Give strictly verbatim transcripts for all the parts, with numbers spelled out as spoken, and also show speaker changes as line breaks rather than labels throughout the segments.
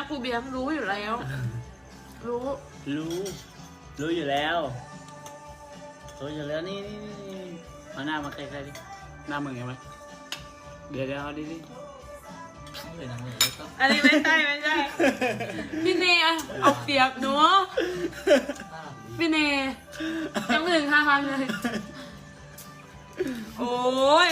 ครูเบียร์รู้อยู่แล้ว รู้
รู้ รู้อยู่แล้วรู้อยู่แล้วนี่นี่นี่เอาหน้ามาใกล้ๆดิหน้ามึงเห็นไหมเดี๋ยวเดี๋ยวเอาดิดิเลยนะเลยก็
อันนี้ไม่ใช่ไม่ใช่ พี่เนยเอาเปรียบหนูพี่เนยยังไม่ถึงห้าพันเลย โอ้ย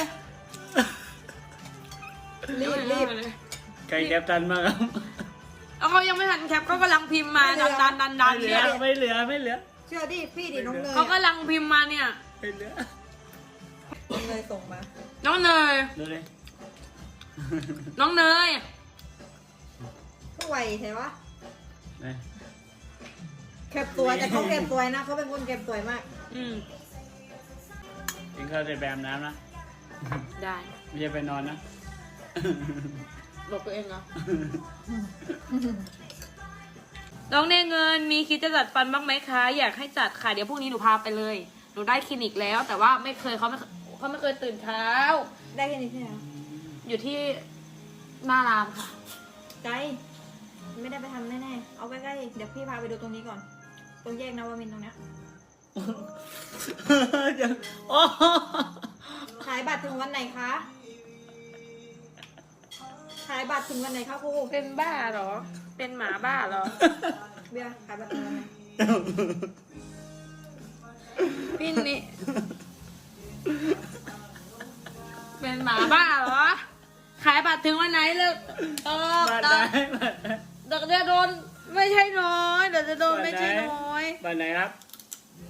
รีบรีบ
ไก่แคปทันมากครับ
แล้วเขายังไม่ทันแคปก็กำลังพิมพ์มาดันดันดันดัน
ไม่เหลื
เนี่
อย ไม่เหลือไม่เหลือ
เชื่อดิพี่ดิน้องเนย
เขากำลังพิมพ์มาเนี่ย
ไม่เหลือ
น้องเนยส่งมา
น้องเนย
ดูเลย
น้องเนย
ก็ไวใช่ปะ
นี่
เก็บตัวแต่เขาเก็บสวยนะเขาเป็นคนเก็บสวยมาก
อืม
กินข้าวเสร็จไปอาบน้ำนะ
ได้
ไม่ใช่ไปนอนนะ
บอกตัวเองเหรอ น้องเนยเงินมีคิดจะจัดฟันบ้างไหมคะ อยากให้จัดค่ะเดี๋ยวพรุ่งนี้หนูพาไปเลย หนูได้คลินิกแล้ว แต่ว่าไม่เคยเขาไม่เขาไม่เคยตื่นเช้า
ได้แค่นี้ใช่ไหม
อยู่ที่หน้ารามค่ะ
ไกลไม่ได้ไปทำแน่ๆเอาใกล้ๆเดี๋ยวพี่พาไปดูตรงนี้ก่อน ตรงแยกนวมินทร์ตรงเนี้ย
โอ้
ขายบัตรถึงวันไหนคะขายบัตรถึงวันไหนคะครู
เป็นบ้าเหรอ เป็นหมาบ้าเหรอ
เบียร์ขายบัตรถึงวันไหน
พี่นี่ เป็นหมาบ้าเหรอ ขายบัตรถึงวันไหนเลิกเออ
บ้าน
เดี๋
ไหน
ยวเดี๋ยวจะโดนไม่ใช่น้อยเดี๋ยวจะโดนไม่ใช่น้อย
บ้านไหนครับ